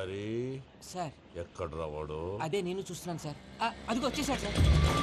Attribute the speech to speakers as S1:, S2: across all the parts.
S1: Hari
S2: sir
S1: ఎక్కడ రావాడు?
S2: అదే నేను చూస్తున్నాను సార్. అదిగో వచ్చేసాడు సార్.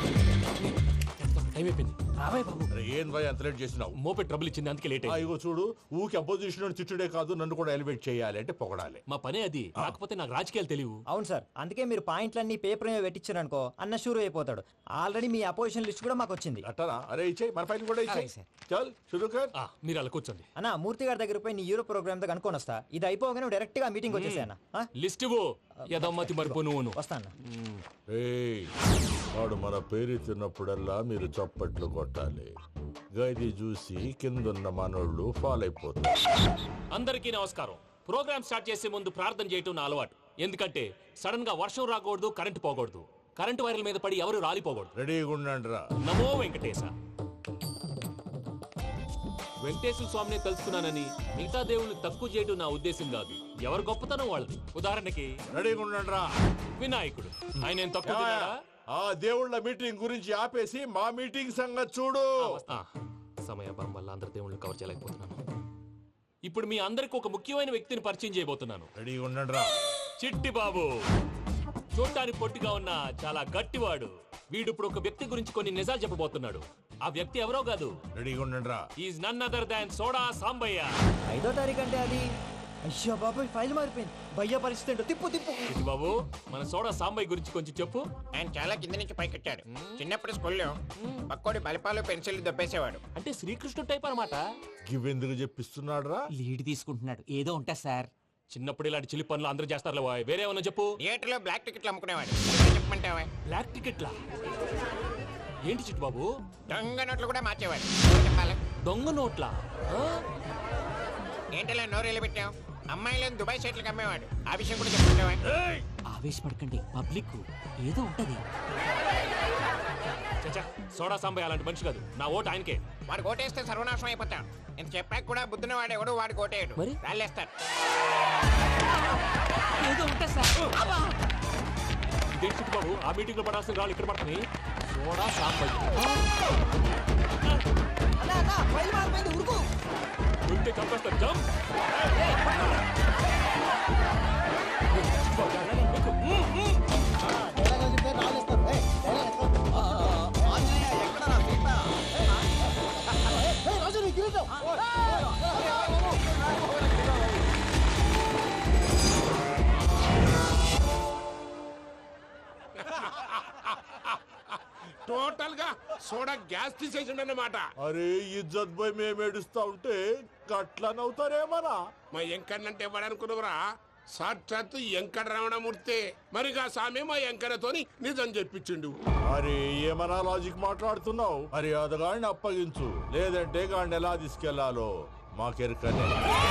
S3: టైం అయిపోయింది, రాబాయ్ బాబు.
S1: అరే ఏం భయ అంత లేట్ చేసినావు?
S3: మోపెట్ ట్రబుల్ ఇచ్చింది, అందుకే లేట్ అయింది.
S1: ఇగో చూడు, ఊకి అపోజిషన్ తిట్టుడే కాదు, నన్ను కూడా ఎలివేట్ చేయాలి అంటే పొగడాలి.
S3: మా పనే అది, కాకపోతే నాకు రాజకీయాలు తెలియవు.
S4: అవును సార్, అందుకే మీరు పాయింట్లన్నీ పేపర్ మీద పెట్టించారనుకో అన్న షూర్ అయిపోతాడు. ఆల్రెడీ మీ అపోజిషన్ లిస్ట్ కూడా మాకు వచ్చింది.
S1: అట్టనా? అరే ఇచ్చేయి, మన ఫైల్ కూడా ఇచ్చేయి.
S2: అలాగే సార్.
S1: చల్ షురూ కర్.
S3: మీరు అలా కూర్చోండి.
S4: అన్న మూర్తి గారి దగ్గర పోయి నీ యూరో ప్రోగ్రామ్ తో కనుక్కొని వస్తా. ఇది అయిపోగానే డైరెక్ట్ గా మీటింగ్ వచ్చేసాను.
S3: లిస్ట్ ఇవ్వు, యదమ్మతి మరిపో నువ్వును.
S4: వస్తాను.
S1: ఏయ్, వాడు మన పేరు తిన్నప్పుడల్లా మీరు చప్పట్లు కొట్టాలి. గది చూసి కిందున్న మనోళ్ళు ఫాలో అయిపోతారు.
S3: అందరికీ నమస్కారం. ప్రోగ్రామ్ స్టార్ట్ చేసే ముందు ప్రార్థన చేయటం నా అలవాటు. ఎందుకంటే సడన్ గా వర్షం రాకూడదు, కరెంటు పోకూడదు, కరెంటు వైర్ల మీద పడి ఎవరు రాలిపోకూడదు.
S1: రెడీగా ఉండండి రా.
S3: నమో వెంకటేశ. వెంకటేశ్వర స్వామిని తెలుసుకున్నానని మిగతా దేవుళ్ళు తక్కువ చేయడం నా ఉద్దేశం కాదు. ఎవరు గొప్పతనం వాళ్ళది. ఉదాహరణకి
S1: రెడీగా ఉండండి రా.
S3: వినాయకుడు, ఆయన ఏం తక్కువ తిన్నాడా?
S1: ఆ దేవుళ్ళ మీటింగ్ గురించి ఆపేసి మా మీటింగ్ సంగతి చూడు.
S3: సమయాభావం వల్ల అందరి దేవుళ్ళు కవర్ చేయలేకపోతున్నాను. ఇప్పుడు మీ అందరికి ఒక ముఖ్యమైన వ్యక్తిని పరిచయం చేయబోతున్నాను.
S1: రెడీగా ఉండండి రా.
S3: చిట్టి బాబు. చూడ్డానికి పొట్టిగా ఉన్న చాలా గట్టివాడు. వీడు ఇప్పుడు ఒక వ్యక్తి గురించి కొన్ని నిజాలు చెప్పబోతున్నాడు. ఆ వ్యక్తి ఎవరో కాదు,
S1: రెడీగా ఉండండి రా.
S3: Is none other than soda Sambaiah.
S4: 5వ తారీఖు అంటే అది. అయ్యో బాబాయ్, ఫైల్ మారిపోయింది. భయ్య పరిస్థితి ఏంటో తిప్పు తిప్పు.
S3: చిట్టి బాబు, మన సోడా సాంబయ్య గురించి కొంచెం చెప్పు.
S5: ఆయన చాలా కింద నుంచి పైకెట్టాడు. చిన్నప్పుడు స్కూల్లో పక్కోడి బలిపాలు పెన్సిల్ దొబ్బేసేవాడు.
S3: అంటే శ్రీకృష్ణుడు టైప్ అన్నమాట.
S1: గివెందుకు చెప్పిస్తున్నాడు రా?
S2: లీడ్ తీసుకుంటున్నాడు, ఏదో ఉంటా సార్.
S3: చిన్నప్పుడు ఇలాంటి చిలి పనులు అందరూ చేస్తారు. వేరే ఏమన్నా చెప్పు.
S5: థియేటర్లో బ్లాక్ టికెట్లు అమ్ముకునేవాడు. చెప్పమంటావా?
S3: బ్లాక్ టికెట్లా? ఏంటి చిట్టు బాబు?
S5: దొంగ నోట్లు కూడా మార్చేవాడు. చెప్పాలి.
S3: దొంగ నోట్లా?
S5: ఏంటలా నోరేళ్ళు పెట్టావు? అమ్మాయిలను దుబాయ్ సైట్లకు అమ్మేవాడు. ఆ విషయం కూడా చెప్పమంటావా?
S2: ఆవేశపడకండి, పబ్లిక్ ఏదో ఉంటది.
S3: చచ్చా, సోడా సాంబయ్య అలాంటి మనిషి కాదు. నా ఓటు ఆయనకే.
S5: వాడు ఓటేస్తే సర్వనాశనం అయిపోతాడు. ఇంత చెప్పాక కూడా బుద్ధిన వాడు ఎవడు వాడు ఓటేయడు.
S2: మరి?
S5: రాళ్ళేస్తాడు.
S2: ఏదో ఉంటా సార్.
S3: ఇదేంటి చిట్టు బాబు, ఆ మీటింగ్ లో పడాల్సిన రాళ్ళు ఇక్కడ పడుతుంది. సోడా సాంబయ్య ఉంటే చంపేస్తారు. జంప్.
S6: టోటల్ గా సోడా గ్యాస్ తీసేసిండన్నమాట.
S1: అరే ఇజ్జత్ పోయి మేము ఏడుస్తా ఉంటే గట్లా నవ్వుతారేమరా?
S6: మా ఎంకన్నంటే ఎవడనుకున్నావురా? సాక్షాత్తు ఎంకట రమణమూర్తి. మరిగా సామె మా ఎంకన్నతోని నిజం చెప్పించిండు.
S1: అరే ఏమన్నా లాజిక్ మాట్లాడుతున్నావు? అరే అదగాడిని అప్పగించు, లేదంటే గాడిని ఎలా తీసుకెళ్లాలో మాకెరకనే.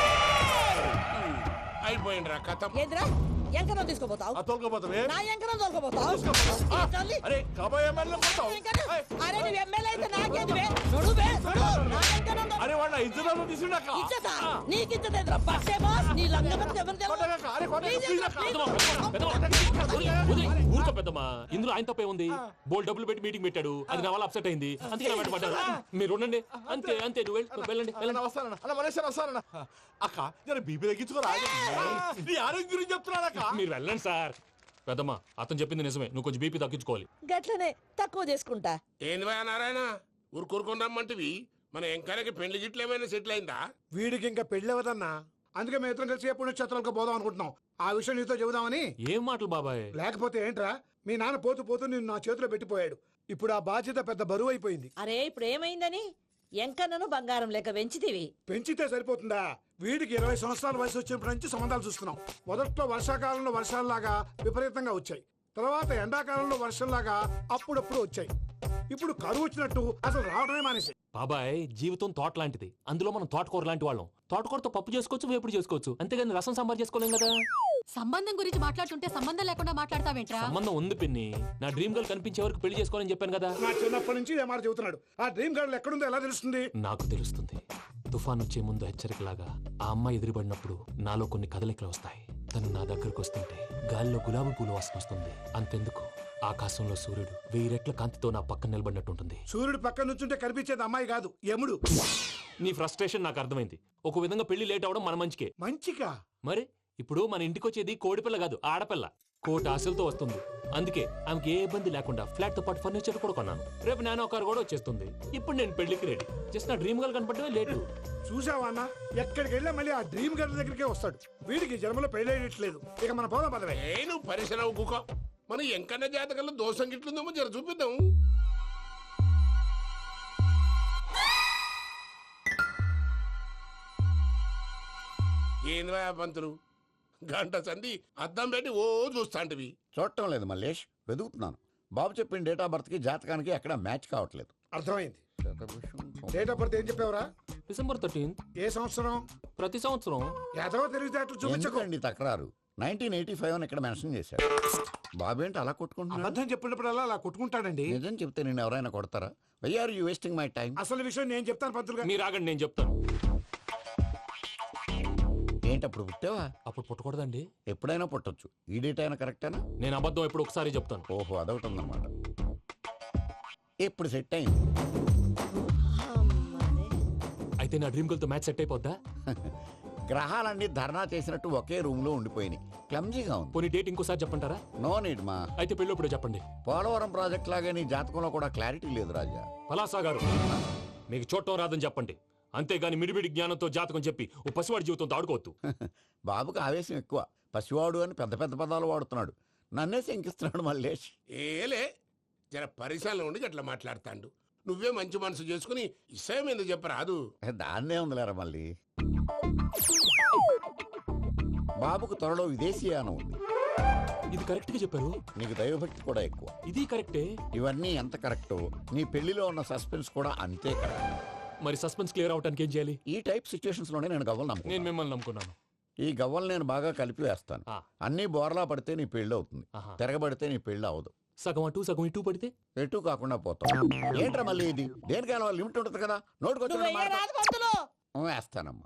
S6: అయిపోయిండ్రా కథ.
S7: ఏంద్రా ఎంకరం తీసుకోపోతావు?
S1: తోలుకోపోతావే?
S7: నా ఎంకరం తోలుకోపోతావు?
S1: అరే కబాయ్ ఎమ్మెల్యే పోతావు.
S7: అరే నువ్వు ఎమ్మెల్యే అయితే నాకేంది బే? నడు బే, నడు. నా ఎంకరం తో-
S1: అరే వాడిన ఇజ్జత్ తీసుకున్నాక
S7: ఇచ్చేదా? నీకు ఇచ్చేదేంద్రా? బస్సే బాస్, నీ లంగమని ఎవరు తెలుసు?
S3: ఊరుకో పెద్దమ్మా, ఇందులో ఆయన తప్పే ఉంది. బోల్ డబ్బులు పెట్టి మీటింగ్ పెట్టాడు, అది నా వల్ల అప్సెట్ అయింది, అందుకే నా వెంట పడ్డారు. మీరు ఉండండి, అంతే అంతే. నువ్వు వెళ్ళండి వెళ్ళండి.
S1: వస్తానన్న అన్న మలేషియా వస్తానన్న. అక్క జర బీపీ తగ్గించుకోరా. నీ ఆరోగ్యం గురించి చెప్తున్నాను అక్క.
S3: మీరు వెళ్ళండి సార్. పెద్దమ్మా, అతను చెప్పింది నిజమే, నువ్వు కొంచెం బీపీ తగ్గించుకోవాలి.
S7: గట్లనే తక్కువ చేసుకుంటా.
S6: ఏంది భయ నారాయణ, ఊరుకోరుకొని రమ్మంటివి? మన ఎంకన్నకి పెళ్లి గిట్లు ఏమైనా సెటిల్ అయిందా?
S8: వీడికి ఇంకా పెళ్ళవదన్నా, అందుకే మేము ఇద్దరం కలిసి పుణ్యక్షేత్రాలకు పోదాం అనుకుంటున్నాం. ఆ విషయం నీతో చెబుదామని.
S3: ఏం మాటలు బాబాయ్?
S8: లేకపోతే ఏంట్రా, మీ నాన్న పోతూ పోతూ నిన్ను నా చేతిలో పెట్టిపోయాడు. ఇప్పుడు ఆ బాధ్యత పెద్ద బరువు అయిపోయింది.
S7: అరే ఇప్పుడు ఏమైందని? ఎంకన్నను బంగారం లెక్క పెంచితివి.
S8: పెంచితే సరిపోతుందా? వీడికి 20 సంవత్సరాల వయసు వచ్చినప్పటి నుంచి సంబంధాలు చూస్తున్నాం. మొదట్లో వర్షాకాలంలో వర్షాలలాగా విపరీతంగా వచ్చాయి. తర్వాత ఎండాకాలంలో వర్షంలాగా అప్పుడప్పుడు వచ్చాయి. ఇప్పుడు కరువు వచ్చినట్టు అసలు రావడమే మానేసి.
S3: బాబాయ్, జీవితం తోట లాంటిది. అందులో మనం తోటకూర లాంటి వాళ్ళం. తోటకూరతో పప్పు చేసుకోవచ్చు, వేపుడు చేసుకోవచ్చు, అంతేగాని రసం సాంబార్ చేసుకోలేం కదా.
S9: సంబంధం గురించి మాట్లాడుతుంటే సంబంధం లేకుండా మాట్లాడతావేంట్రా?
S3: సంబంధం ఉంది పిన్ని. నా డ్రీమ్ గర్ల్ కనిపించే వరకు పెళ్లి చేసుకోవాలని చెప్పాను కదా.
S8: నా చిన్నప్పటి నుంచి ఏ మాట చెబుతున్నాడు. ఆ డ్రీమ్ గర్ల్ ఎక్కడుందో ఎలా తెలుస్తుంది?
S3: నాకు తెలుస్తుంది. తుఫాన్ వచ్చే ముందు హెచ్చరికలాగా ఆ అమ్మాయి ఎదురుపడినప్పుడు నాలో కొన్ని కదలికలు వస్తాయి. తను నా దగ్గరకు వస్తుంటే గాలిలో గులాబీ పూలు వాసన వస్తుంది. అంతెందుకు, ఆకాశంలో సూర్యుడు 1000 రెట్ల కాంతితో నా పక్కన నిలబడినట్టుంటుంది.
S8: సూర్యుడు పక్కన నుంచుంటే కనిపించేది అమ్మాయి కాదు, యముడు.
S3: నీ ఫ్రస్ట్రేషన్ నాకు అర్థమైంది. ఒక విధంగా పెళ్లి లేట్ అవడం మన మంచికే.
S8: మంచిగా
S3: మరి ఇప్పుడు మన ఇంటికి వచ్చేది కోడిపిల్ల కాదు ఆడపిల్ల. కోటి ఆశలతో వస్తుంది. అందుకే ఆమెకి ఏ ఇబ్బంది లేకుండా ఫ్లాట్ తో పాటు ఫర్నిచర్ కూడా కొన్నాను. రేపు నానో కారు కూడా వచ్చేస్తుంది. ఇప్పుడు నేను పెళ్లికి రెడీ. జస్ట్ నా డ్రీమ్ గర్ల్ కనపడమే లేటు.
S8: చూసావా అన్న, ఎక్కడికి వెళ్ళా మళ్ళీ ఆ డ్రీమ్ గర్ల్ దగ్గరికే వస్తాడు. వీడికి జన్మలో పెళ్ళేయట్లేదు. ఇక మన పోదాం పదవే.
S6: నువ్వు పరిశ్రమ కుక మన ఎంకన్న జాతకంలో దోషం గిట్లుందేమో జర చూపిద్దాం. ఏంది పంతులు గంట సంధి అద్దం పెట్టి ఓ చూస్తాంటివి.
S10: చూడటం లేదు మల్లేష్, వెతుకుతున్నాను. బాబు చెప్పిన డేట్ ఆఫ్ బర్త్ కి జాతకానికి ఎక్కడ మ్యాచ్ కావట్లేదు.
S8: అర్థమైంది. డేట్ ఆఫ్ బర్త్ ఏం చెప్పావురా?
S3: December 13th.
S8: ఏ సంవత్సరం?
S3: ప్రతి సంవత్సరం.
S8: ఎదవ తెలివితేటలు చూపించకండి.
S10: ఎందుకండి తక్రారు? 1985 అని ఇక్కడ మెన్షన్ చేశాడు. బాబు ఏంటి అలా కొట్టుకుంటున్నాడు?
S8: అబద్ధం చెప్పినప్పుడల్లా అలా కొట్టుకుంటాడండి.
S10: నిజం చెప్తే నేను ఎవరైనా కొడతారా? Why are you wasting my time?
S8: అసలు విషయం నేను చెప్తాను పంతులు గారు.
S3: మీరు ఆగండి, నేను చెప్తాను.
S10: ఏంటి అప్పుడు పుట్టావా?
S3: అప్పుడు పుట్టకూడదండి.
S10: ఎప్పుడైనా పుట్టొచ్చు. ఈ డేట్ అయినా కరెక్టేనా?
S3: నేను అబద్ధం ఎప్పుడు ఒకసారి చెప్తాను.
S10: ఓహో, అదొకటి ఉందన్నమాట. ఇప్పుడు సెట్ అయింది.
S3: అయితే నా డ్రీమ్ గర్ల్ తో మ్యాచ్ సెట్ అయిపోద్దా?
S10: గ్రహాలన్నీ ధర్నా చేసినట్టు ఒకే రూమ్ లో ఉండిపోయినాయి. క్లమ్జీగా ఉంది.
S3: పోనీ డేట్ ఇంకోసారి చెప్పంటారా?
S10: నో నీడ్ మా.
S3: అయితే పెళ్ళప్పుడు చెప్పండి.
S10: పోలవరం ప్రాజెక్ట్ లాగే నీ జాతకంలో కూడా క్లారిటీ లేదు రాజా.
S3: పలాసా గారు, మీకు చూడటం రాదని చెప్పండి. అంతేగాని మిడిమిడి జ్ఞానంతో జాతకం చెప్పి ఓ పసివాడి జీవితంతో ఆడుకోవద్దు.
S10: బాబుకి ఆవేశం ఎక్కువ. పసివాడు అని పెద్ద పెద్ద పదాలు వాడుతున్నాడు. నన్నే శంకిస్తున్నాడు మల్లేష్.
S6: ఏలే జర పరిశ్రమలో ఉండి అట్లా మాట్లాడతాండు. నువ్వే మంచి మనసు చేసుకుని ఇష్టం ఎందుకు చెప్పరాదు?
S10: దాన్నే ఉందిలేరా మళ్ళీ. బాబుకు త్వరలో విదేశీయానం ఉంది.
S3: ఇది కరెక్ట్ గా చెప్పారు.
S10: నీకు దైవభక్తి కూడా ఎక్కువ.
S3: ఇది కరెక్టే.
S10: ఇవన్నీ ఎంత కరెక్టో నీ పెళ్లిలో ఉన్న సస్పెన్స్ కూడా అంతే కరెక్ట్.
S3: మరి సస్పెన్స్ క్లియర్ అవడానికి ఏం చేయాలి?
S10: ఈ టైప్ సిచ్యువేషన్స్ లోనే నేను గవ్వలు నమ్ముకున్నాను.
S3: నేను మిమ్మల్ని నమ్ముకున్నాను.
S10: ఈ గవ్వలు నేను బాగా కలిపి వేస్తాను. అన్ని బోర్లా పడితే నీ పెళ్లి అవుతుంది. తిరగబడితే నీ పెళ్లి అవదు.
S3: సగం అటు సగం ఇటు పడితే
S10: ఎటు కాకుండా పోతాం. ఏంట్రా మళ్ళీ ఇది? దేనికైనా లిమిట్ ఉంటుంది కదా. నోటుకొచ్చి వేస్తానమ్మా.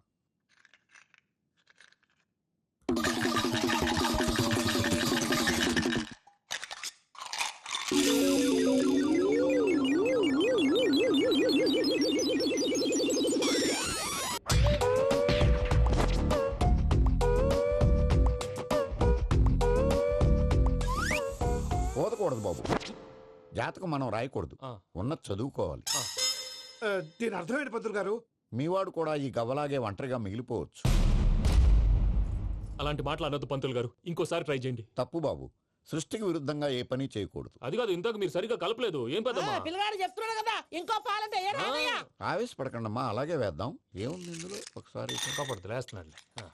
S10: పోదకూడదు బాబు. జాతకం మనం రాయకూడదు. ఉన్నది చదువుకోవాలి.
S8: దీని అర్థం ఏంటి పంతులు గారు?
S10: మీవాడు కూడా ఈ గవ్వలాగే ఒంటరిగా మిగిలిపోవచ్చు.
S3: అలాంటి మాటలు అనొద్దు పంతులు గారు. ఇంకోసారి ట్రై చేయండి.
S10: తప్పు బాబు. సృష్టికి విరుద్ధంగా ఏ పని చేయకూడదు.
S3: అది కాదు, ఇంతకు మీరు సరిగా కలపలేదు. ఏం పెద్దమ్మా?
S7: పిల్లగాడు చెప్తున్నాడు కదా, ఇంకో పాలంటే
S10: ఆవేశపడకండమ్మా, అలాగే వేద్దాం. ఏముంది ఇందులో? ఒకసారి
S3: కాపాడుతు వేస్తున్నాడు.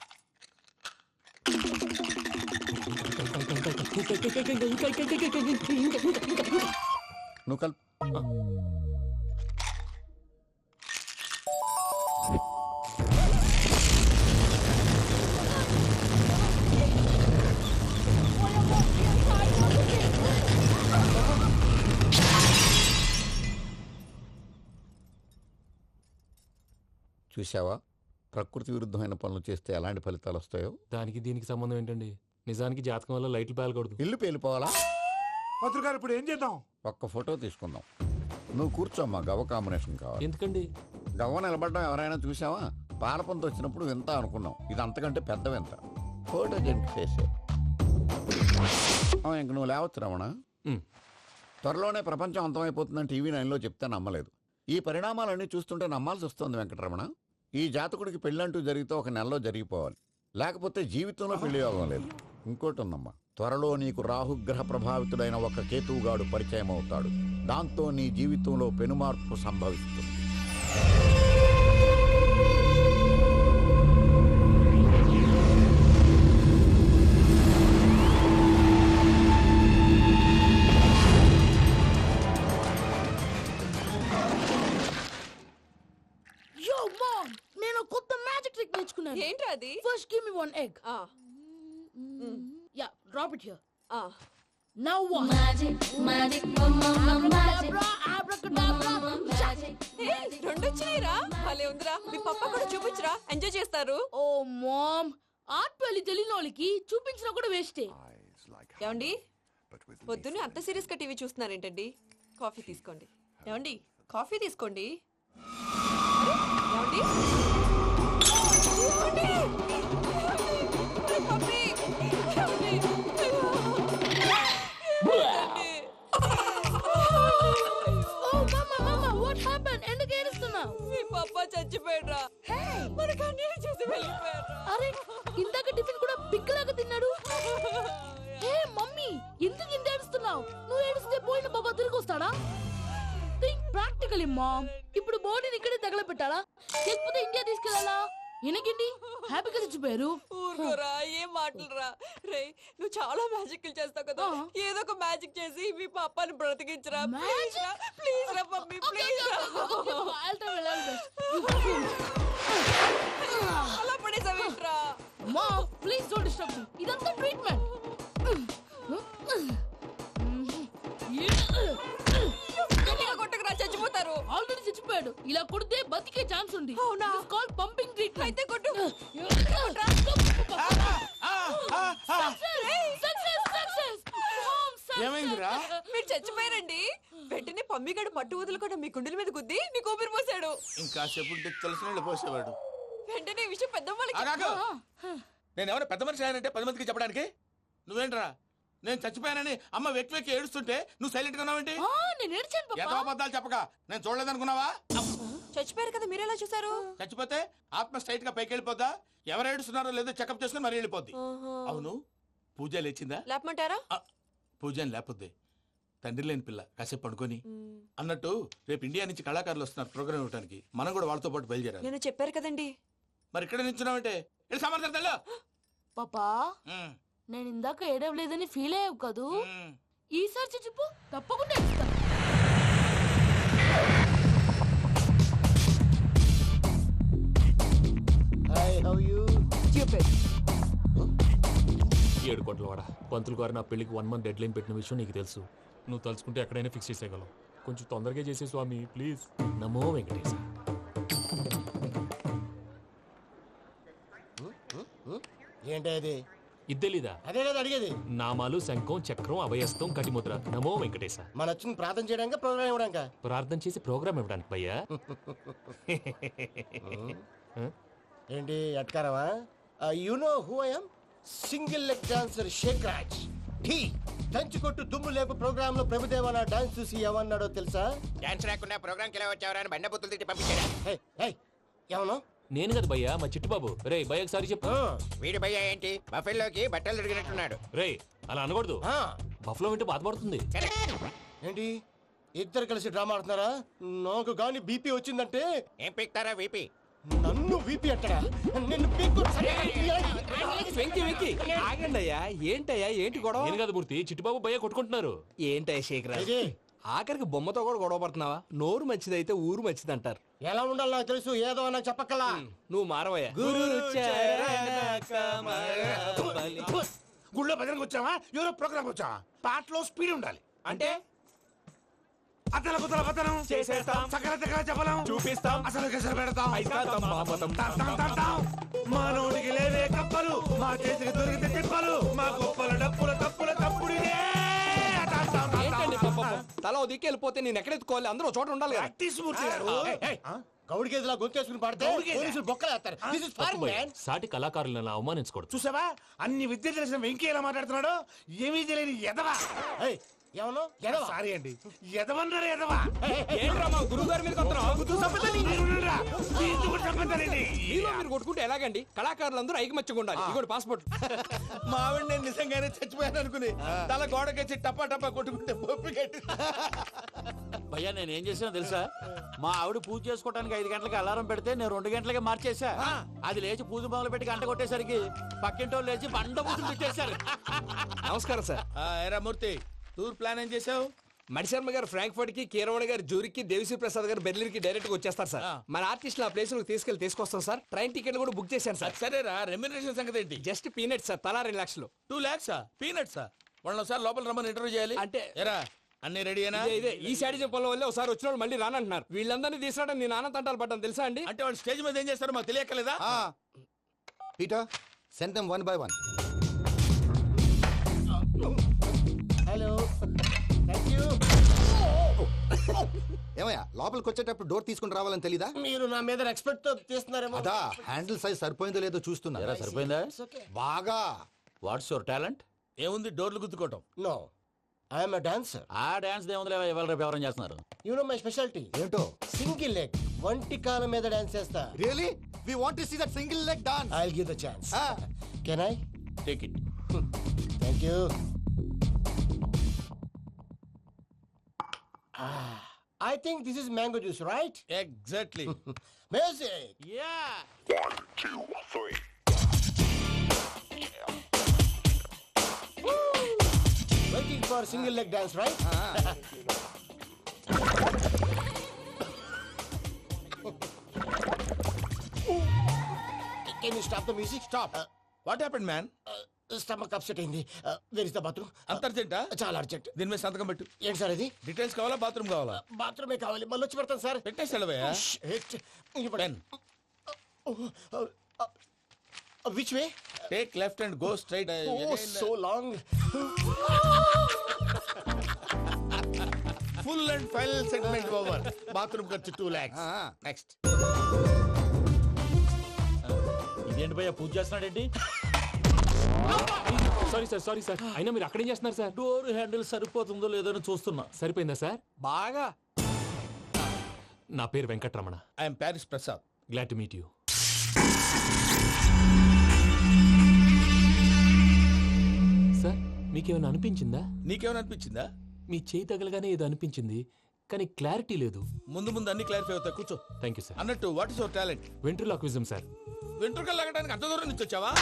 S10: నువ్వు కల్. చూసావా, ప్రకృతి విరుద్ధమైన పనులు చేస్తే ఎలాంటి ఫలితాలు వస్తాయో.
S3: దానికి దీనికి సంబంధం ఏంటండి? నిజానికి జాతకం వల్ల లైట్లు పేలకూడదు.
S10: ఇల్లు పేలిపోవాలా?
S8: పంతులు గారు ఇప్పుడు ఏం చేద్దాం?
S10: ఒక్క ఫోటో తీసుకుందాం. నువ్వు కూర్చోమ్మా. గవ్వ కాంబినేషన్ కావాలి.
S3: ఎందుకండి?
S10: గవ్వ నిలబడడం ఎవరైనా చూసావా? పాలపంత వచ్చినప్పుడు వింత అనుకున్నాం. ఇది అంతకంటే పెద్ద వింత. ఫోటో జంక్ చేసే ఇంక నువ్వు లేవచ్చు రమణ. త్వరలోనే ప్రపంచం అంతమైపోతుందని టీవీ 9లో చెప్తే నమ్మలేదు. ఈ పరిణామాలన్నీ చూస్తుంటే నమ్మాల్సి వస్తుంది వెంకటరమణ. ఈ జాతకుడికి పెళ్ళంటూ జరిగితే ఒక నెలలో జరిగిపోవాలి. లేకపోతే జీవితంలో పెళ్లి యోగం లేదు. ఇంకోటి ఉందమ్మా, త్వరలో నీకు రాహుగ్రహ ప్రభావితుడైన ఒక కేతువుగాడు పరిచయం అవుతాడు. దాంతో నీ జీవితంలో పెనుమార్పు సంభవిస్తుంది.
S7: ఏంటి అది? First give me one egg. Yeah, drop it here. Now what? Magic magic abracadabra abracadabra magic.
S11: రెండు వచ్చినాయిరా. భలే ఉందిరా. మీ పప్ప కూడా చూపించరా, ఎంజాయ్ చేస్తారు.
S7: ఓ మామ్, ఆర్ట్ పెళ్లి తెలియని వాళ్ళకి చూపించినా కూడా వేస్టే.
S11: ఏమండి, పొద్దున్నే అంత సీరియస్ గా టీవీ చూస్తున్నారేంటండి? కాఫీ తీసుకోండి. ఏమండి, కాఫీ తీసుకోండి. ఏమండి? పప్పి! ఏమండి?
S7: Oh, mama, what happened? ఎందుకు ఏడుస్తున్నావు?
S11: మీ పప్ప చచ్చిపోయాడ్రా. మనకు అన్యాయం చేసి వెళ్ళిపోయాడ్రా.
S7: అరే ఇందాక టిఫిన్ కూడా పిక్కలాగా తిన్నాడు. హే మమ్మీ, ఎందుకు ఇంత ఏడుస్తున్నావు? నువ్వు ఏడిస్తే పోయిన బాబా తిరిగి వస్తాడా? Think practically mom. ఇప్పుడు బాడీని ఇక్కడే తగలబెట్టాలా లేకపోతే ఇండియా తీసుకెళ్ళాలా? ఎనకండి హ్యాపీగా చచ్చిపోయారు.
S11: ఊరుకోరా, ఏం మాటలురా. రే, నువ్వు చాలా మ్యాజిక్ చేస్తావు కదా, ఏదో ఒక మ్యాజిక్ చేసి మీ పాపాని బ్రతికించరా. ప్లీజ్ రా, ప్లీజ్ రా మమ్మీ, ప్లీజ్ రా. అలా పడేసావేంట్రా?
S7: Mom please don't disturb me. ఇదంతా ట్రీట్మెంట్.
S11: గట్టిగా కొట్టకురా, చచ్చిపోతారు.
S7: ఆల్రెడీ చచ్చిపోయాడు. ఇలా కొడితే బతికే ఛాన్స్ ఉంది.
S11: అవునా?
S7: Called pumping treatment.
S11: అయితే కొట్టు.
S6: ఏమైందిరా?
S11: మీరు చచ్చిపోయారండి. వెంటనే పమ్మిగాడు మట్టు వదులుకుండా మీ గుండెల మీద గుద్ది మీకు ఊపిరి పోసాడు.
S6: ఇంకా చెప్పు తెలిసిన వాళ్ళు పోసేవాడు.
S11: వెంటనే ఈ విషయం పెద్దవాళ్ళకి
S6: ఆగాగు. నేను ఎవరు పెద్ద మనిషి ఆయనంటే 10 మందికి చెప్పడానికి? నువ్వేంట్రా నేను చచ్చిపోయానని అమ్మ వెక్కి వెక్కి ఏడుస్తుంటే నువ్వు సైలెంట్ గా ఉన్నావేంటి?
S7: నేను ఏడ్చాను పాపా.
S6: ఎంతో అబద్ధాలు చెప్పక నేను చూడలేదనుకున్నావా?
S11: చచ్చిపోయారు కదా, మీరెలా చూసారు?
S6: చచ్చిపోతే ఆత్మ స్ట్రైట్ గా పైకి వెళ్ళిపోద్దా? ఎవరు ఏడుస్తున్నారో లేదో చెకప్ చేసుకుని మరీ వెళ్ళిపోద్ది. అవును, పూజ లేచిందా?
S11: లేపమంటారా?
S6: పూజ అని లేకపోద్ది. తండ్రి లేని పిల్ల కాసేపు పడుకొని. అన్నట్టు రేపు ఇండియా నుంచి కళాకారులు వస్తున్నారు ప్రోగ్రామ్ ఇవ్వడానికి. మనం కూడా వాళ్ళతో పాటు బయలుదేరాలి.
S11: నేను చెప్పారు కదండి.
S6: మరి ఇక్కడ నిల్చున్నావంటే సమర్థతల్లో
S7: పాపా నేను ఇందాక ఏడవలేదని ఫీల్ అయ్యావు కదూ. ఈసారి చచ్చిపో, తప్పకుండా ఏడుస్తా.
S3: ఏడు కోట్ల వాడ పంతులు గారు నా పెళ్లికి 1 month డెడ్ లైన్ పెట్టిన విషయం నీకు తెలుసు. నువ్వు తలుచుకుంటే ఎక్కడైనా ఫిక్స్ చేసేయగలవు. కొంచెం తొందరగా చేసే స్వామి ప్లీజ్. నమో వెంకటేశ.
S12: ఏంటది?
S3: ఇది తెలీదా?
S12: అదే కదా అడిగేది.
S3: నామాలు, శంఖం, చక్రం, అభయస్తం, కటిముద్ర. నమో వెంకటేశ.
S12: మన వచ్చింది ప్రార్థన చేయడానికి, ప్రోగ్రామ్ ఇవ్వడానికి.
S3: ప్రార్థన చేసి ప్రోగ్రామ్ ఇవ్వడానికి భయ్యా.
S12: ఏంటి ఎట్కారమా? You know who I am? Single leg dancer Sheikh Raj. Dhee దంచుకొట్టు దుమ్ము లేపు ప్రోగ్రామ్ లో ప్రభుదేవ నా డాన్స్ చూసి ఏమన్నాడో తెలుసా?
S5: డాన్స్ రాకుండా ప్రోగ్రామ్ కి ఎలా వచ్చావరా అని బండ బుద్ధులు తిట్టి పంపించాడా?
S12: ఏమన్నా?
S3: నేను కదా భయ్యా, మా చిట్టుబాబు. రే భయ్య ఒకసారి చెప్పు.
S5: వీడి భయ్య ఏంటి బఫెల్లోకి బట్టలు తిరిగినట్టున్నాడు.
S3: రే అలా అనకూడదు. బఫ్లో వింటే బాధపడుతుంది.
S12: ఏంటి ఇద్దరు కలిసి డ్రామా ఆడుతున్నారా? నాకు గాని బీపీ వచ్చిందంటే
S5: ఏం పీక్తారా వీపీ?
S12: నన్ను వీపీ అట్టడా? నిన్ను పీక్కు.
S13: ఆగండి అయ్యా, ఏంటయ్యా, ఏంటి గొడవ?
S3: నేను కదా మూర్తి, చిట్టుబాబు భయ్య కొట్టుకుంటున్నారు.
S13: ఏంటయ్యా శేఖర్, ఆఖరికి బొమ్మతో కూడా గొడవ పడుతున్నావా? నోరు మంచిదైతే ఊరు మంచిది అంటారు.
S12: ఎలా ఉండాలి నాకు తెలుసు, ఏదో నాకు చెప్పక్కలా.
S13: నువ్వు మారవయ్యా.
S8: గుళ్ళో భజనకు వచ్చావా? ఎవరో ప్రోగ్రామ్ వచ్చావా? పాటలో స్పీడ్ ఉండాలి.
S13: అంటే
S8: అతల కుతల పతనం
S13: చేసేస్తాం,
S8: సకల దగ్గర చెప్పలేం,
S13: చూపిస్తాం,
S8: అసలు గసలు పెడతాం,
S13: అయితాం.
S8: మానవుడికి లేవే కప్పలు, మా చేతికి దొరికితే తిప్పలు, మా గొప్పల డప్పుల తప్పుల తప్పుడు
S13: తల దిక్కి వెళ్ళిపోతే నేను ఎక్కడెత్తుకోవాలి? అందరూ చోట ఉండాలి కదా.
S12: గౌడి గేదెలా గొంతేసుకుని పాడితే పోలీసులు బొక్కలు వేస్తారు. This is foreign, man.
S3: సాటి కళాకారులను అవమానించకూడదు.
S8: చూసావా అన్ని విద్య తెలిసిన వెంకీ ఎలా మాట్లాడుతున్నాడు? ఏమీ తెలియని ఎదవా.
S12: ఏమన్నా ఎదవా?
S8: సారీ అండి, ఎదవన్నారు ఎదవా.
S13: ఏంట్రా మా గురువు గారి మీద మీరు కొట్టుకుంటే ఎలాగండి? కళాకారులందరూ ఐకమత్యంగా ఉండాలి. ఇగోటి పాస్పోర్ట్.
S6: మా ఆవిడ నేను నిజంగానే చచ్చిపోయాను అనుకుని తల గోడకొచ్చి టపా టపా కొట్టుకుంటే పొప్పి కట్టి.
S14: భయ్యా నేను ఏం చేసినా తెలుసా? మా ఆవిడ పూజ చేసుకోవడానికి 5 గంటలకి అలారం పెడితే నేను 2 గంటలకి మార్చేసా. అది లేచి పూజ మొదలు పెట్టి గంట కొట్టేసరికి పక్కింటి వాళ్ళు లేచి బండ పూజలు పెట్టేశారు.
S13: నమస్కారం సార్.
S6: ఏరా మూర్తి, టూర్ ప్లాన్ ఏం చేసావు?
S13: మణిశర్మ గారు ఫ్రాంక్ఫర్ట్ కి, కీరవాణి గారు జూరిక్, దేవిశ్రీ ప్రసాద్ గారు బెర్లిన్ కి డైరెక్ట్ గా వచ్చేస్తారు సార్. మన ఆర్టిస్ట్ ఆ ప్లేస్ తీసుకొస్తాం సార్. ట్రైన్ టికెట్ కూడా బుక్ చేశాను సార్.
S6: సరేరా, రెమ్యూనరేషన్ సంగతి ఏంటి?
S13: జస్ట్ పీనట్ సార్, తలా 2 లక్షలు.
S6: 2 lakhs పీనట్సా? వాళ్ళని ఒకసారి లోపల రమ్మని ఇంటర్వ్యూ చేయాలి.
S13: అంటే
S6: ఎరా అన్ని రెడీయేనా?
S13: ఇదే ఈ శాడిజం పనుల వల్లే ఒకసారి వచ్చిన వాళ్ళు మళ్ళీ రానంటున్నారు. వీళ్ళందరినీ తీసుకురావడం నేను ఆనంద తంటాలు పడ్డాను తెలుసా అండి.
S6: అంటే వాళ్ళు స్టేజ్ మీద ఏం చేస్తారో మాకు తెలియక్కలేదా?
S10: Peter send them 1 by 1.
S12: Hello, thank you.
S10: ఏమయ్యా
S15: ఏమయ్యా లోపలికి వచ్చేటప్పుడు డోర్ తీసుకుని రావాలని తెలీదా?
S12: మీరు నా మీద ఎక్స్పెక్ట్ తో తీస్తున్నారేమో.
S15: అదా హ్యాండిల్ సైజ్ సరిపోయిందో లేదో చూస్తున్నా.
S14: ఎరా సరిపోయిందా?
S15: బాగా.
S14: What's your talent?
S6: ఏముంది డోర్లు గుద్దుకోవటం.
S12: No I'm a dancer.
S14: ఆ డాన్స్ దేవుందిలే, ఇవాళ రేపు ఎవరైనా చేస్తున్నారు.
S12: యు నో మై స్పెషాలిటీ
S15: ఏంటో?
S12: సింగిల్ లెగ్, వంటి కాలం మీద డాన్స్ చేస్తా.
S15: Really we want to see that single leg dance.
S12: I will give the chance. Can I
S14: take it.
S12: Thank you. I think this is mango juice, right?
S6: Exactly.
S12: Music.
S14: Yeah.
S16: 1, 2, 3.
S12: Waiting for single leg dance, right? Can you stop the music?
S6: Stop. What happened, man?
S12: Stomach upset అయింది. Where is the bathroom?
S6: అంత అర్జెంటా?
S12: చాలా urgent.
S6: దీని మీద సంతకం పెట్టు.
S12: ఏంటి sir ఇది?
S6: డీటెయిల్స్ కావాలా బాత్రూమ్ కావాలా?
S12: బాత్రూమే కావాలి. మళ్ళీ వచ్చి పెడతాను సార్.
S6: పెట్టేసి వెళ్ళవయ్యా.
S12: Which way?
S6: Take left and go straight.
S12: Oh so long.
S6: Full and final segment over. Bathroom ఖర్చు 2 lakhs. నెక్స్ట్.
S14: ఇదేంటి భయ్యా పూజ చేస్తున్నాడేంటి?
S3: సారీ సార్ అయినా మీరు అక్కడేం చేస్తున్నారు సార్?
S14: డోర్ హ్యాండిల్ సరిపోతుందో లేదో అని చూస్తున్నా.
S3: సరిపోయిందా సార్?
S13: బాగా.
S3: నా పేరు Venkataramana.
S6: I'm Paris Prasad.
S3: Glad to meet you. Sir మీకేమైనా అనిపించిందా?
S6: నీకేమైనా అనిపించిందా?
S3: మీ చేయి తగలగానే ఏదో అనిపించింది, కానీ క్లారిటీ లేదు.
S6: ముందు అన్ని క్లారిఫై అవుతాయి. కూర్చో.
S3: Thank you sir.
S6: అన్నట్టు what is your talent?
S3: Ventriloquism sir.
S6: వెంట్రుకలు లాగడానికి అంత దూరం నుంచి వచ్చావా?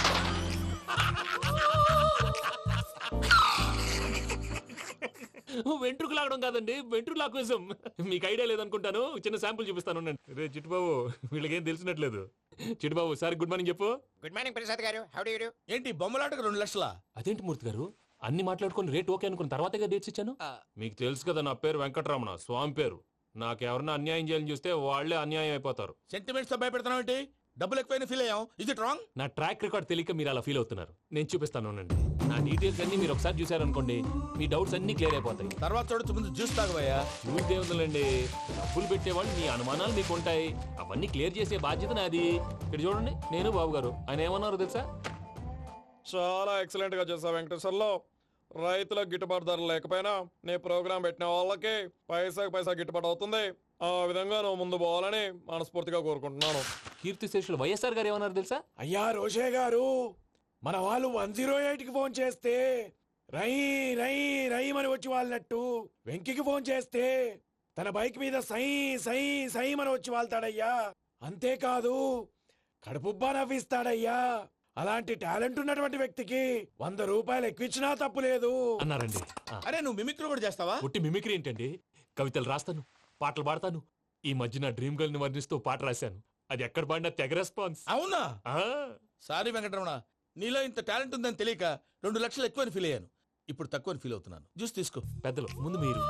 S3: వెంట్రుకు లాగడం కాదండి, వెంట్రులాక్విజం. మీకు ఐడియా లేదనుకుంటాను, చిన్న శాంపుల్ చూపిస్తాను. రే చిట్టుబాబు, వీళ్ళకేం తెలిసినట్లేదు. చిట్టుబాబు సార్ గుడ్ మార్నింగ్ చెప్పు.
S5: Good morning Prasad garu. How do you do?
S6: ఏంటి బొమ్మలాటకు 2 లక్షల?
S3: అదేంటి మూర్తి గారు, అన్ని మాట్లాడుకుని రేట్ ఓకే అనుకున్న తర్వాతగా డేట్స్ ఇచ్చాను. మీకు తెలుసు కదా నా పేరు వెంకటరమణ, స్వామి పేరు. నాకెవరన్నా అన్యాయం చేయాలని చూస్తే వాళ్లే అన్యాయం అయిపోతారు.
S6: సెంటిమెంట్స్ తో భయపెడతావు ఏంటి? డబ్బులు ఎక్కువైనా ఫీల్ అయ్యాం. ఇది రాంగ్.
S3: నా ట్రాక్ రికార్డ్ తెలియక మీరు అలా ఫీల్ అవుతున్నారు. నేను చూపిస్తాను. నా డీటెయిల్స్ అన్ని మీరు ఒకసారి చూసారనుకోండి, మీ డౌట్స్ అన్ని క్లియర్ అయిపోతాయి.
S6: తర్వాత చూడొచ్చు, ముందు జ్యూస్ తాగబోయా.
S3: జ్యూస్ ఏముందండి, డబ్బులు పెట్టేవాళ్ళు మీ అనుమానాలు మీకు ఉంటాయి, అవన్నీ క్లియర్ చేసే బాధ్యత నాది. ఇక్కడ చూడండి, నేను బాబు గారు. ఆయన ఏమన్నారు తెలుసా?
S17: చాలా ఎక్సలెంట్ గా చేసావు వెంకటేశ్వర్లో. రైతులకు గిట్టుబాటు ధర లేకపోయినా నీ ప్రోగ్రాం పెట్టిన వాళ్ళకి పైసాకి పైసా గిట్టుబాటు అవుతుంది. ఆ విధంగా నువ్వు ముందు పోవాలని మనస్ఫూర్తిగా కోరుకుంటున్నాను.
S3: కీర్తిశేషులు వైఎస్ఆర్ గారు ఏమన్నారు తెలుసా?
S17: అయ్యా రోషే గారు, మన వాళ్ళు 108కి ఫోన్ చేస్తే రై రై రై అని వచ్చి వాళ్ళనట్టు, వెంకికి ఫోన్ చేస్తే తన బైక్ మీద సై సై సై అని వచ్చి వాళ్తాడయ్యా. అంతేకాదు కడుపుబ్బా నవ్విస్తాడయ్యా. అలాంటి టాలెంట్ ఉన్నటువంటి వ్యక్తికి 100 రూపాయలు ఎక్కువచ్చినా తప్పు లేదు
S3: అన్నారండి.
S6: అరే నువ్వు మిమిక్రీ కూడా చేస్తావా?
S3: పుట్టి మిమిక్రీ ఏంటండి, కవితలు రాస్తాను, పాటలు పాడతాను. ఈ మధ్య నా డ్రీమ్ గర్ల్ ని వర్ణిస్తూ పాట రాశాను. అది ఎక్కడ పాడినా తెగ రెస్పాన్స్.
S6: అవునా? సారీ వెంకటరమణ, నీలో ఇంత టాలెంట్ ఉందని తెలియక 2 లక్షలు ఎక్కువని ఫీల్ అయ్యాను. ఇప్పుడు తక్కువని ఫీల్ అవుతున్నాను. జ్యూస్ తీసుకో.
S3: పెద్దలు ముందు మీరు.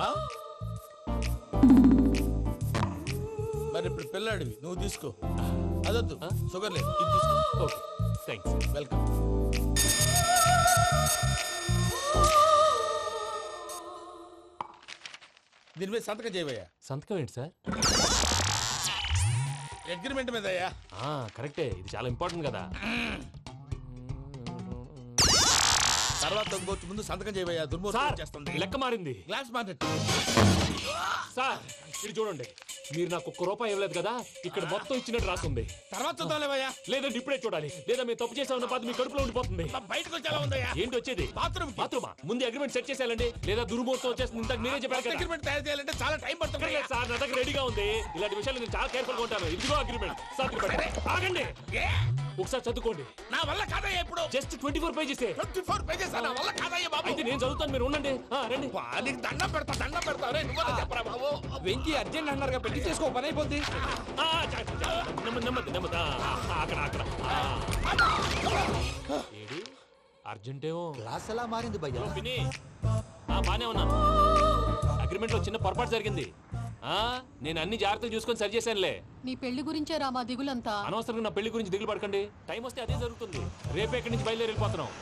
S6: మరి ఇప్పుడు పిల్లాడివి, నువ్వు తీసుకో. అదొద్దు, షుగర్ లేదు, ఇది తీసుకో.
S3: Okay thanks.
S6: వెల్కమ్. దీని మీద సంతకం చేయవయ్యా.
S3: సంతకం ఏంటి సార్?
S6: అగ్రిమెంట్ మీద అయ్యా.
S3: కరెక్టే, ఇది చాలా ఇంపార్టెంట్ కదా.
S6: తర్వాత ఇంకొచ్చి ముందు సంతకం చేయవయ్యా. దుర్మోహం చేస్తుంది.
S3: లెక్క మారింది.
S6: Glass market.
S3: సార్ ఇది చూడండి, మీరు నాకు 1 రూపాయి ఇవ్వలేదు కదా, ఇక్కడ మొత్తం ఇచ్చినట్టు రాస్తుంది.
S6: తర్వాత చూద్దాంలేవయ్యా.
S3: లేదంటే ఇప్పుడే చూడాలి, లేదా మీరు తప్పు చేసామన్న బాధ మీ కడుపులో ఉండిపోతుంది.
S6: బయటకు వచ్చేలా ఉందయ్యా.
S3: ఏంటి వచ్చేది?
S6: బాత్రూమా?
S3: ముందు అగ్రిమెంట్ సెట్ చేసేయాలండి, లేదా దుర్మూర్తం వచ్చేస్తుంది. ఇంతకు మీరే చెప్పారు కదా.
S6: అగ్రిమెంట్ తయారు చేయాలంటే చాలా టైం పడుతుంది
S3: సార్. నా దగ్గర రెడీగా ఉంది. ఇలాంటి విషయాలు నేను చాలా కేర్ఫుల్ గా ఉంటాను. ఇదిగో అగ్రిమెంట్. ఆగండి, ఒకసారి చదువుకోండి.
S6: నా వల్ల కాదయ్యా. ఇప్పుడు
S3: జస్ట్ 24 పేజెస్.
S6: 24 పేజెస్ నా వల్ల కాదయ్యా బాబు.
S3: అయితే నేను చదువుతాను, మీరు ఉండండి. రండి.
S6: నీకు దండం పెడతా. రే నువ్వు చెప్పరా బాబు.
S13: వెంకీ అర్జెంట్ అన్నారుగా, పెళ్లి చేసుకో, పని అయిపోద్ది.
S3: నెమ్మది. అక్కడ ఏడి అర్జెంటేమో.
S15: క్లాస్ ఎలా మారింది భయ్యా?
S3: బానే ఉన్నాను. అగ్రిమెంట్ లో చిన్న పొరపాటు జరిగింది. నేను అన్ని జాగ్రత్తలు చూసుకొని సరి చేశానులే.
S9: నీ పెళ్లి గురించే రామా దిగులంతా.
S3: అనవసరంగా నా పెళ్లి గురించి దిగులు పడకండి. టైం వస్తే అదే జరుగుతుంది. రేపే ఇక్కడి నుంచి బయలుదేరి వెళ్ళిపోతున్నాం.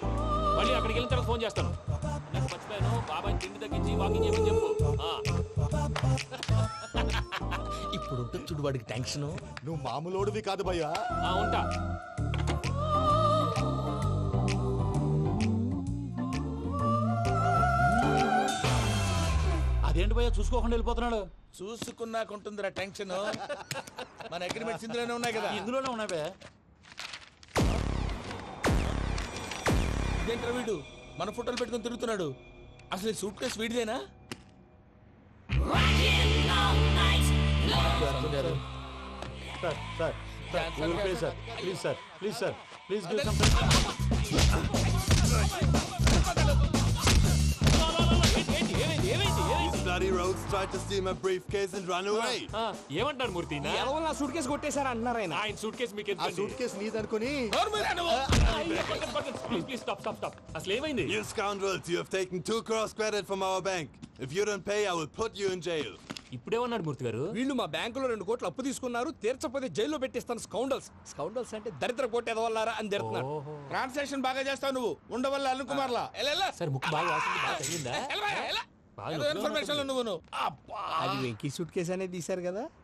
S3: మళ్ళీ అక్కడికి వెళ్ళిన తర్వాత ఫోన్ చేస్తాను. నాకు మర్చిపోయాను, బాబాయ్ తిండి తగ్గించి వాకింగ్ చేయమని చెప్పు.
S6: ఇప్పుడు ఉంటుంది చూడు వాడికి టెన్షన్.
S15: నువ్వు మామూలోడివి కాదు భయ్యా.
S3: ఉంటా.
S14: అదేంటి భయ్యా చూసుకోకుండా వెళ్ళిపోతున్నాడు?
S6: చూసుకున్నాకుంటుందిరా టెన్షన్. మన అగ్రిమెంట్స్ ఇందులోనే ఉన్నాయి కదా.
S14: ఇందులోనే ఉన్నాయి భయ్యా.
S6: ఇదేంట్రా వీడు మన ఫోటోలు పెట్టుకొని తిరుగుతున్నాడు? అసలు ఈ సూట్ కేసు వీడిదేనా?
S3: ఏమంటారు మూర్తి?
S13: నా సూట్ కేసు కొట్టేశారు అంటున్నారు ఆయన.
S3: ఆయన సూట్ కేసు మీకు
S15: ఆ సూట్ కేసు నీదనుకుని
S3: ప్లీజ్ స్టాప్ స్టాప్ స్టాప్. అసలు ఏమైంది?
S18: You scoundrels, you have taken 2 crores credit from our bank. If you don't pay, I will put you in jail.
S3: ఇప్పుడేమన్నాడు మూర్తి గారు?
S13: వీళ్ళు మా బ్యాంకులో 2 కోట్లు అప్పు తీసుకున్నారు, తీర్చకపోతే జైల్లో పెట్టిస్తాను. స్కౌండల్స్. స్కౌండల్స్ అంటే దరిద్ర కోట ఎదవల్లారా అని తిడుతున్నారు.
S6: ట్రాన్సాక్షన్ బాగా చేస్తావు నువ్వు. ఉండవల్ల అల్లు కుమార్లా.
S3: సార్ ముక్కు బాగా వాసింది, బాగా తగ్గిందా?
S6: ఇన్ఫర్మేషన్ నువ్వు.
S13: అది వెంకీ సూట్ కేసు అనేది తీశారు కదా.